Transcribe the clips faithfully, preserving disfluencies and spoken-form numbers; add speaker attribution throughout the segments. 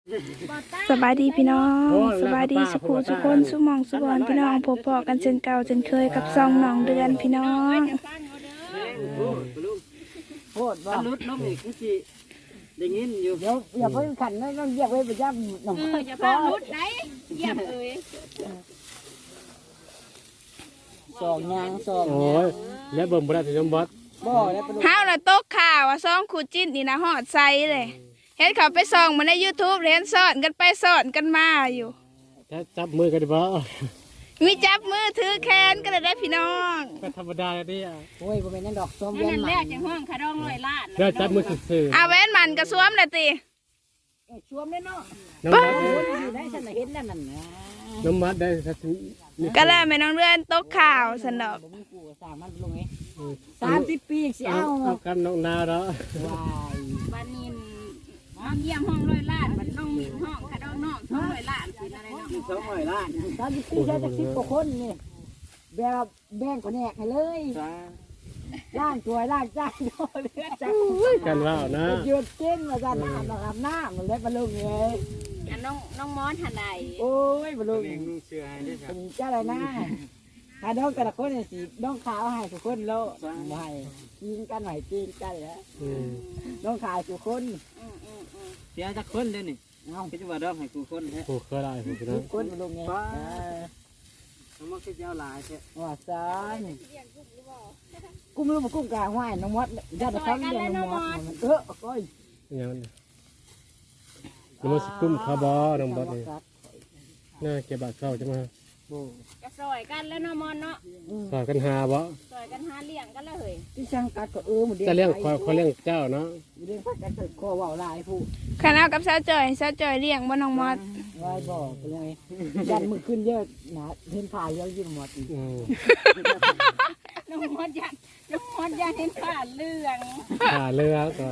Speaker 1: สบายดีพี่น้องสบายดีสุขุสุคนสุมองสุบอนพี่น้องพบพอกันเช่นเก่าเช่นเคยกับซองน้องเดือนพี่น้อง
Speaker 2: โคตรว่าลุดน้องอีกสิได้ยินอยู่เดี๋ยวอย่าเพิ่งขันนะต้องเหยียบไว้ประจำน้อง
Speaker 3: อย่าพาลุดไหนเหยียบเอ้ย
Speaker 2: สองยางสอง
Speaker 4: โอ้ยแล้วเบิ่มบ่ได้สิยมบอส
Speaker 2: บ่แล้วเป็น
Speaker 1: เฮาน่ะตกข่าวว่าซองคู่จิ้นนี่นะฮอดไซเลยเห็นเขาไปส่องมาใน YouTube เห็นสอนกันไปสอนกันมาอยู่
Speaker 4: จะจับมือกันบ่
Speaker 1: มีจับมือถือแขนกันเลยได้พี่น้อง
Speaker 4: ก็ธรรมดาเนี่ย
Speaker 2: โอ้ยบ่แม่นนั่นดอกซ้อม
Speaker 3: นั่
Speaker 2: เวียน
Speaker 3: น
Speaker 2: ให
Speaker 3: แร
Speaker 2: ม่
Speaker 3: กจังห้องขาดองลอยล้าน
Speaker 4: เดี๋ยวจับมือซื่อ
Speaker 1: เอาแว่นมันกระสวมเลยติ
Speaker 2: เอ้ยช่วมแน่เนาะ
Speaker 4: ๆน้ำมัด
Speaker 2: โอ้ยอยู่ได้ฉันน่ะเห็นแล้วนั่นนะ
Speaker 4: น้ำมัดได้สักที
Speaker 1: ก็แล้วแม่น้องเดือนตกข่าวสันดอก
Speaker 2: บ่มีกูก็สร้างมันลงไงสามสิบปีสิ
Speaker 4: เอา
Speaker 2: เอา
Speaker 4: เอากันน้องนาแล้ว
Speaker 2: วาย
Speaker 3: บ้านนินน้องเยี่ยมห้องลอยล้านบ้านน้องมินห้องขาดองน้องห้องลอยล้านเป็นอะไรเนาะ
Speaker 2: สองร้อยล้านสามสิบปีใช้จักสิบกว่าคนนี่แบบแบ่งคนแหกให้เลยล้างตัวล้างจานโดนเลือดจัก
Speaker 4: กันว่านะ
Speaker 2: หยุดกินมาจานน้ำนะครับน้ำมันเล็ดมาลงเลย
Speaker 3: อันน้องน้องมอนทันใด
Speaker 2: โอ้ยมาลงเป็นเจ้าอะไรนะหาดองแต่ละคนเนี่ยสีดองขาวให้ทุกคนแล้วไม่กินกันหน่อยกินกันแล้ว
Speaker 4: อืม
Speaker 2: ดองขาวทุกคน
Speaker 3: อืมอืมอืม
Speaker 5: เสียจักคนเด้อนี่
Speaker 2: เอา
Speaker 5: คิดว่าดอกให้กูคนแท้
Speaker 4: ผูกเคยได้ผูก
Speaker 2: ทุ
Speaker 4: นะ
Speaker 2: กคนมาลงไง
Speaker 5: มันบ่คิดยาวหลายแท้
Speaker 2: ว่าซานกุ้มรู้มากุ้มกลางห้ายน้องมดญาติเขาเรียกน้องมดเออก้อย
Speaker 4: อย่างนั้นน้ำมันสกุ้มคาร์บอน้องบอสนี่น่าเก็บบาทเข้าจะมา
Speaker 3: ก็ซอยกันแล้วน้องมอนเนาะ
Speaker 4: สอนกันหาบ่
Speaker 3: ซอยกันหาเลี้ยงกันแล้วเฮ้ย
Speaker 2: ที่ช่างกัดก็เออหมด
Speaker 4: จะเลี้ยงคอยคอยเลี้ยงเจ้าเนาะ
Speaker 2: เลี้ยงพักกันเกิดคอว่าวลายผู้
Speaker 1: คณะกับสาวจอยสาวจอยเลี้ยงบ่น้องมอด
Speaker 2: วายบอกไปเลยยันมือขึ้นเยอะนะเห็นผ่าเยอะยิ่งหมดอีก
Speaker 4: อืม
Speaker 3: น้องมอนยันน้องมอนยันเห็นขาเรื่อง
Speaker 4: หาเรือก่อน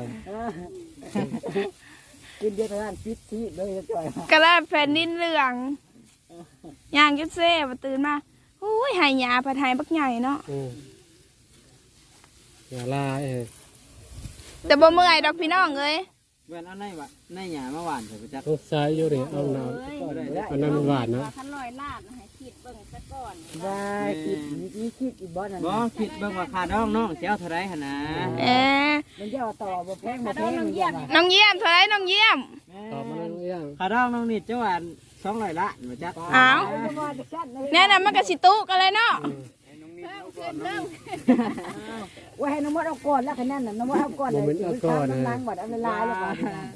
Speaker 2: ขึ้นเยอะทางพิษที่เลยจ่อย
Speaker 1: ก็แล้วแผ่นดินเหลืองย่างจุดเซ่บ่ตื่นมาอุ้ยหายหยาผัดหายบักใหญ่เนาะ
Speaker 4: อืมอย่าลาเอ้ย
Speaker 1: แต่บ่เมื่อยดอกพี่น้องเอ้ย
Speaker 5: เว้นเอาในวะในหญ้ามาหว่านเถอะไปจัก
Speaker 4: ต้องใช้อยู่นี่เอาน้ำเอาน้ำมันหวานนะ
Speaker 3: คันลอยล้านให้คิดเบิ่งซะก่อน
Speaker 2: วายคิดนี่คิดอีบ้านนั่น
Speaker 5: บ่คิดเบิ่งว่าค่าดองน้องสิเอาเท่าไรหั่นนะ
Speaker 1: เอ๊ะ
Speaker 2: มันจะต่อบ่แพงบ่
Speaker 3: ขา
Speaker 2: แพ
Speaker 3: ดอง
Speaker 2: ง
Speaker 3: น้อง
Speaker 2: เยี่
Speaker 3: เยี่
Speaker 2: ย
Speaker 3: ย
Speaker 2: ม
Speaker 3: ม
Speaker 1: น้องเยี่ยมเท่าไหรน้องเยี่ยม
Speaker 4: ตอบมาแล้วยัง
Speaker 5: ค่าดองน้องนี่เจ้าอันสองร้อยล้านบ่จัก
Speaker 1: อ้าวแน่นอนมันก็สิตุกันเลยเนาะ
Speaker 2: ว่าให้น้องมดเอาก่อนแล้วคะแนนน่ะน้องมดเอาก่อนเลยน้ำล้างบัดเอาเวลาแล้วบัด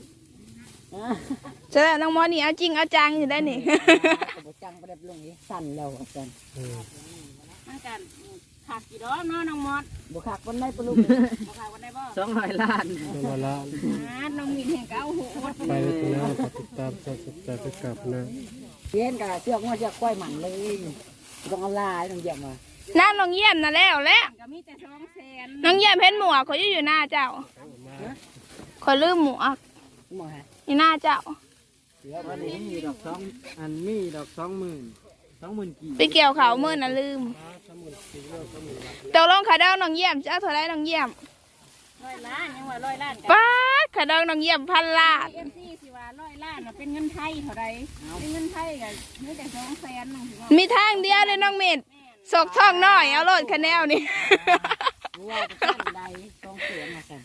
Speaker 1: เจอน้องมอนี่เอาจริงเอาจังอยู่ได้นี่
Speaker 2: บ่จังบ่ได้ลงนี่สั่นแล้วอาจารย์
Speaker 3: มันกันขาดกี่ดอกเนาะน้องมอด
Speaker 2: บ่คักวันไหนปลุก
Speaker 3: บ่ขาดวันใดบ่
Speaker 5: สองร้อยล้าน
Speaker 4: ต้องมาละ
Speaker 3: อ่าน้องมินเห็นก็เอาหูอด
Speaker 4: ไปเลยคุณนะติดตามชมติดตามไปกลับนะ
Speaker 2: เพี้ยนกับเชือกว่าเชือกก้อยหมันเลยต้องเอาลายต้องเยี่ยมมา
Speaker 1: น้าน้องเยี่ยมน่ะแล้วแหละ
Speaker 3: ก็มีแต่สองแสน
Speaker 1: น้องเยี่ยมเห็นหมวกเขาอยู่อยู่หน้าเจ้าขอยลืมหมวก
Speaker 2: หมอฮะ
Speaker 1: อยู่หน้าเจ้า
Speaker 5: วันนี้มีดอกสองอันมีดอกสองหมื่นสองหมื่นกี่
Speaker 1: ไปเกี่ยวเขาเมื่อน่ะลืมตกลงขาดองน้องเยี่ยมเจ้าเท่าไรน้องเยี่ยม
Speaker 3: ร้อยล้านยังว่าร้อยล้านกัน
Speaker 1: ป้าดขาดองน้องเยี่ยมพันล้าน
Speaker 3: เอฟซีสิว่าร้อยล้านน่ะเป็นเงินไทยเท่าไรเป็นเงินไทยก็มีแต่สองแสนน้องสิว่า
Speaker 1: มีทางเดียวเลยน้องเม็ดสกท่องน้อยเอาโลดคะแนนนี่
Speaker 2: รู้ว่าจะตั้งใดต้องเสียมาสั่น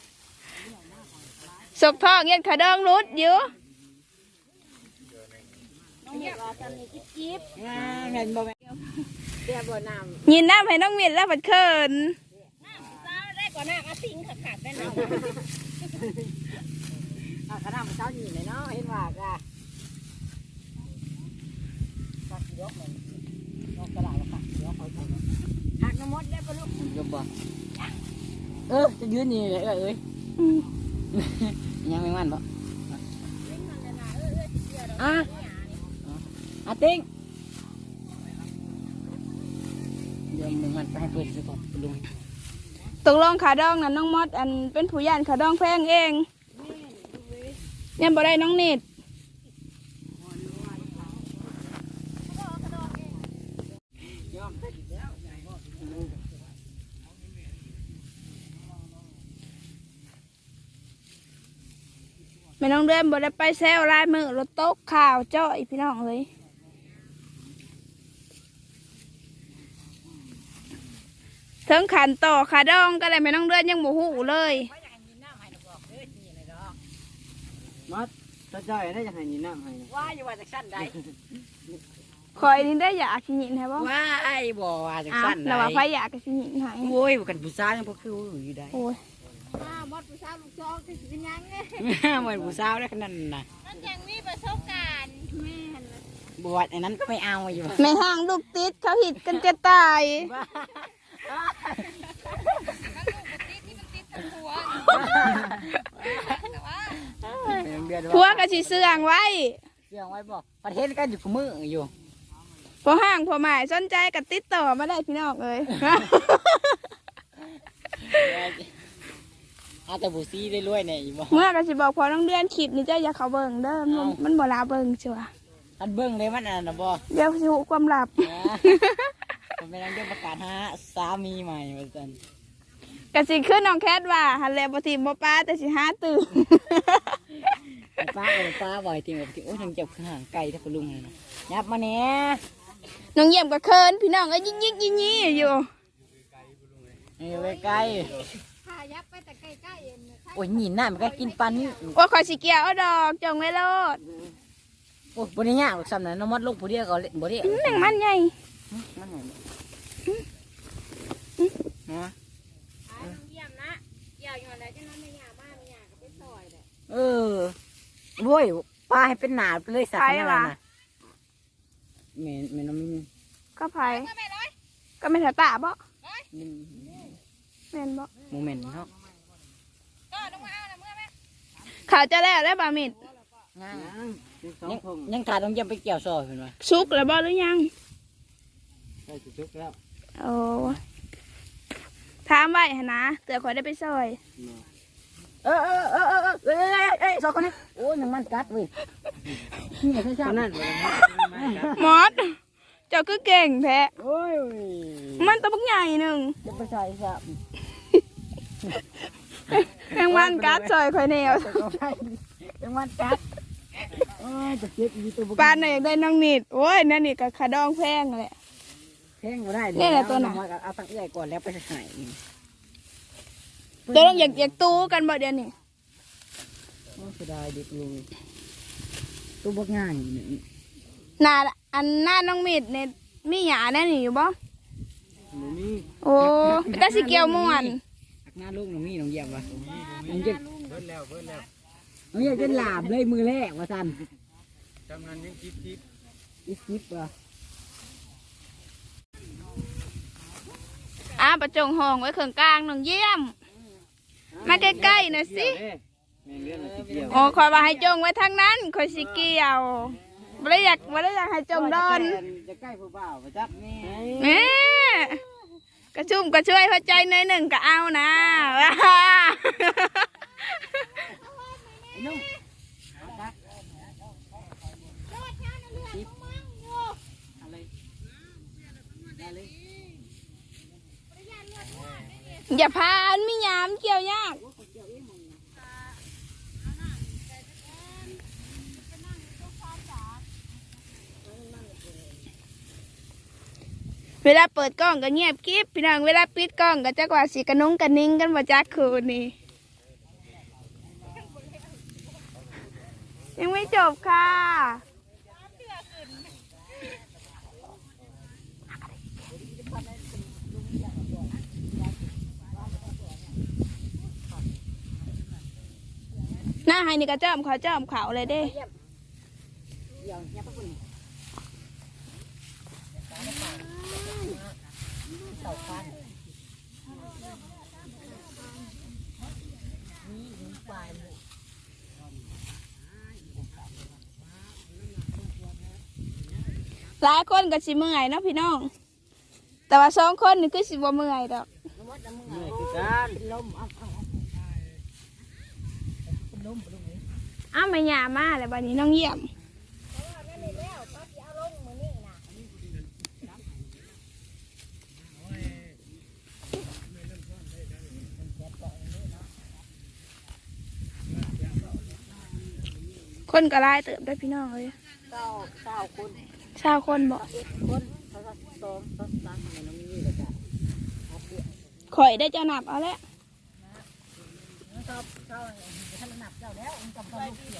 Speaker 1: สกท่องเงี้ยขาดองรุดอยู่
Speaker 3: น้องเห็นว่าตอนนี้จิ๊บจิ๊บ
Speaker 2: งาเงินบ่แม่เสียบ่น้ำ
Speaker 1: ยินน้ำให้น้องเม็ดแล้วผัดเขิน
Speaker 3: น้ำเช้าได้กว่าน้ำอาติงขาดๆได้เนาะ
Speaker 2: อ่ะขนาดมันเช้าอยู่เลยเนาะเห็นว่าก็ตักยกมันยกกระดาษตักยกเขาทำหักน้ำมดได้ปะลูกยกบ่เออจะยืนนี่เลยเอ้ย
Speaker 1: อืม
Speaker 2: ยังไม่มันบ่อ่ะอ่ะติ้งเดี๋ยวมึงมันไปให้เพื่อนไปก่อนลุง
Speaker 1: ตกลงขาดองน่ะน้องมดอันเป็นผู้ย่านขาดองแพงเองเนี่ยบ่ได้น้องเน็ตม่น้องเดือนบ่ได้ไปแซวลายมือรถโต๊ะข่าวเจ้าอีพี่น้องเลยถึงขันต่อขาดองก็เลยแม่น้องเดือนยังบ่ฮู้เลย
Speaker 5: มัดถ้าจ่อยได้จะให้นี่น้ำให้
Speaker 2: ว่าอยู่ว่าจากสั้นใด
Speaker 1: คอยนี่ได้อยากสิหยินให้บ่
Speaker 2: ว่าไอ้บ่ว่าจาก
Speaker 1: อ้าว
Speaker 2: สั้นใด
Speaker 1: แล้วว่าไผอยากก็สิหยินให้
Speaker 2: โอ้ยกันผู้ชายยังบ่คืออยู่ได้
Speaker 1: โอ้ย
Speaker 3: มดผู้สาวลูกจอกก็สิเป็นยังไง
Speaker 2: เหมือนผู้สาวได้ขนาดนั้นน่ะ
Speaker 3: มันยังมีประสบการณ์แม่นล่ะ
Speaker 2: บวชอันนั้นก็ไม่เอาอยู่
Speaker 1: ในห้างลูกติดเขาหิดกันจะตาย ผัวก็สิเสื่องไว้
Speaker 2: เสียงไว้บอกประเทศกันอยู่กับมืออยู่
Speaker 1: พอห้างพอหมายสนใจก็ติดต่อมาได้พี่น้องเลย
Speaker 2: เอาแต่ผู้ซีได้รวยเนี่ยอยู่บ่
Speaker 1: เมื่อก็สิบอกพอน้องเดือนคลิปนี่เจ้าอย่าเขาเบิ่งเด้อมันมันบ่ลาเบิ่งชัวร์
Speaker 2: อันเบิ้งเลยมันอันน่ะบ่
Speaker 1: เดี๋ยวสิหูความลับ
Speaker 2: ผมไปนั่งเรื่องประกาศหาสามีใหม่มาจัน
Speaker 1: ก็สิขึ้นน้องแคทว่าหันแลบ่ทีมบ่ป้าแต่สิหาตื่น
Speaker 2: ป้าเออป้าบ่อยทีแบบโอ้ยทางเจ็บห่างไกลถ้าปลุงเลยนะยับมาเนี้ย
Speaker 1: น้องเยี่ยมก็เคินพี่น้องก็ยิ่งยิ่งยิ่งยี่อยู่
Speaker 2: เออไปไกล
Speaker 3: พายับไปแต่ใกล้ๆเองนะ
Speaker 2: โอ้ยหนีหน้ามันก็กินปันนี่
Speaker 1: ว่าขอยสิเกี่ยวเอาดอกจงไว้โลด
Speaker 2: โอ้ยบริยากหรอกซ้ำนะน้องมดลูกผู้เดียวก็เล่นบ่ได้
Speaker 1: อื้อหนังมันใหญ่
Speaker 2: มันไงฮะ
Speaker 3: ไอ้น้องเยี่ยมนะเกี่ยวอยู่แล้วจะน้องไม่หยาบ้านไม่หยาก็ไปซอยเลย
Speaker 2: เออโว้ยปลาให้เป็นหนาไปเลยสักขนาดนั้นนะเมนเมนน้องมิน
Speaker 1: ก็ไผก็ไม่ถาตาบ่
Speaker 2: มิน
Speaker 1: แม่นบ่
Speaker 2: โมเมนต์เนาะ
Speaker 3: ก็ต้องมาเอาละเมื่อแม่
Speaker 1: ข่าวจะแล้วแล้วบ่มิด
Speaker 2: งา
Speaker 5: สอง
Speaker 2: ยัง
Speaker 5: พง
Speaker 2: ยังขาดต้องเยี่ยมไปเกี่ยวซอยเห็นไหม
Speaker 1: สุกแล้วบ่หรือยัง
Speaker 5: ใช่จุกแล้ว
Speaker 1: โอ้ถามไว้หั่นนะเตือข่อยได้ไปซอย
Speaker 2: เออเออเออเออเออเออเออสองคนนี้โอ้ยยังมันกัดเว้ยนี่ใช่
Speaker 5: ต
Speaker 2: ใช่
Speaker 5: อนนั้นบ่ได้
Speaker 1: หมอดเจ้าคือเก่งแท้
Speaker 2: โอ้ย
Speaker 1: มันตัวบักใหญ่หนึง
Speaker 2: จะไปใส่สับ
Speaker 1: แมงวันกัดซอยข่อยแนว
Speaker 2: ยังมันกัดโอ้ยจะเจ็บอีตัว
Speaker 1: ปานน่ะอยากได้น้องนิดโอ้ยนั่นนี่ก็ขาดองแพงแหละ
Speaker 2: แข้งก็ได้
Speaker 1: นี่แหละตัวน่ะ
Speaker 2: เอาตั้งใหญ่ก่อนแล้วไปใส่
Speaker 1: ตัวต้องอยากอยากตู้กันบ่เดี๋ยวนี้
Speaker 2: โอ้เสียดายเด็กลุงตัวบักง่ายนี่
Speaker 1: หน้าอันหน้าน้องมิดเนี่ยมีหยาแน่นี่อยู่บ่
Speaker 5: หนูนี่
Speaker 1: โอ้แต่สิเกี่ยวม่วน
Speaker 2: หน้าลูกน้องมีน้องเยี่ยมวะน้องเยี่ยม
Speaker 5: เบิ่แล้วเบิ่แล้ว
Speaker 2: น้องเยี่ยมจะหลาบเลยมือแรกว่าสัน
Speaker 5: จำนั้นยังคิดคิด
Speaker 2: อีสิบว่ะ
Speaker 1: อ้าประจงห้องไว้เครื่องกลางน้องเยี่ยม มาใกล้ๆหน่อยสิ
Speaker 5: แม่เลี้ยงสิเกี่ยว
Speaker 1: โอ้คอยว่าให้จงไว้ทางนั้นคอยสิเกี่ยวบ่ได้อยากบ่ได้อยากให้จงดอน
Speaker 5: จะใกล้ผู้บ่าวไปจับนี่
Speaker 1: แม่กระชุ่มกระช่วยหัวใจหน่อยหนึ่งก็เอานะว้า
Speaker 2: นุ่ม
Speaker 1: อย่าพาอันมีหยามเกี่ยวยากเวลาเปิดกล้องก็เงียบกิ๊บพี่น้องเวลาปิดกล้องก็จักว่าสีกระนุงกระนิ่งกันบ่จักคืนนี่ยังไม่จบค่ะหน้าให้นี่ก็เจ้อมเขาเจ้อมเขาเลยเด้
Speaker 2: เดี๋ยวเนี่ยพวกคุณเต่าฟัน
Speaker 1: หลายคนก็สิเมื่อยเนาะพี่น้อง แต่ว่าสองคนนี่คือสิบ่เมื่อยดอก
Speaker 5: เหนื่อยคือการ
Speaker 2: ลมเอาเอา
Speaker 1: อ้าวไม่หยามาแล้วบัดนี้น้องเยี่ยมคนก็หลายเติมได้พี่น้องเลย
Speaker 2: เก้าเก้าคน
Speaker 1: ชาวคนบอก
Speaker 2: คนเขาก็สองสองสามมันน้องมีแล้วก็
Speaker 1: ข่อยได้เจ้าหนับเอาแล้ว
Speaker 2: ชอบชอบท่านหนับเจ้าแล้วมันกับลูกเสีย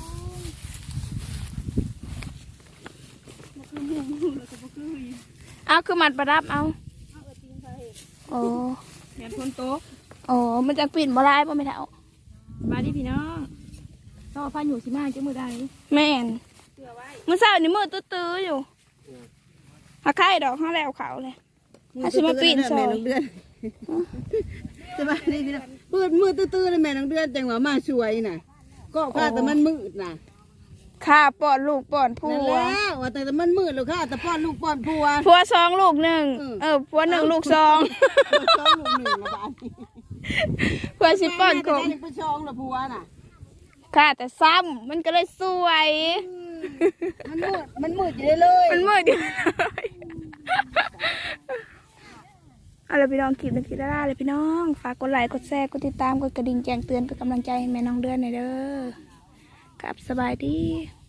Speaker 1: เอาคือมัดประดับเอาโอ้
Speaker 3: แม่นคนโต
Speaker 1: โอ้มันจะปิ่นบ่ได้บ่ไม่เท่า
Speaker 3: มาดิพี่น้องต่อพันอยู่สิมาจังมือใด
Speaker 1: แม่นมื้อเช้านี่มือตื้อๆอยู่หาไข่ดอกเฮาแล้วเขาเลยถ้าสิมาปิ่นซอย
Speaker 2: สบายดีพี่น้องมืดมืดตื้อๆเลยแม่น้องเดือนจังหวะมาช่วยน่ะก็ข้าแต่มันมืดน่ะ
Speaker 1: ข้าป้อนลูกป้อนผั
Speaker 2: นั่น
Speaker 1: ว
Speaker 2: แล้วว่าแต่มันมืดแล้วค่ะแต่ป้อนลูกป้อนผัว
Speaker 1: ผัวสองลูกหนึ่งเออผัวหนึ่งลูกสอง
Speaker 2: สองลูกหนึ่งละบาท
Speaker 1: ผัวสิป้อนกบ
Speaker 2: แม่ไปชองละผัวน่ะ
Speaker 1: ข้าแต่ซ้ำมันก็เลยสวย
Speaker 2: มันมืดมันมืดอยู่เลย
Speaker 1: มันมืดอยู่เลยเอาล่ะพี่น้องคลิปนี้คลิปละลาเลยพี่น้องฝากกดไลค์กดแชร์กดติดตามกดกระดิ่งแจ้งเตือนเป็นกำลังใจให้แม่น้องเดือนหน่อยเด้อครับสบายดี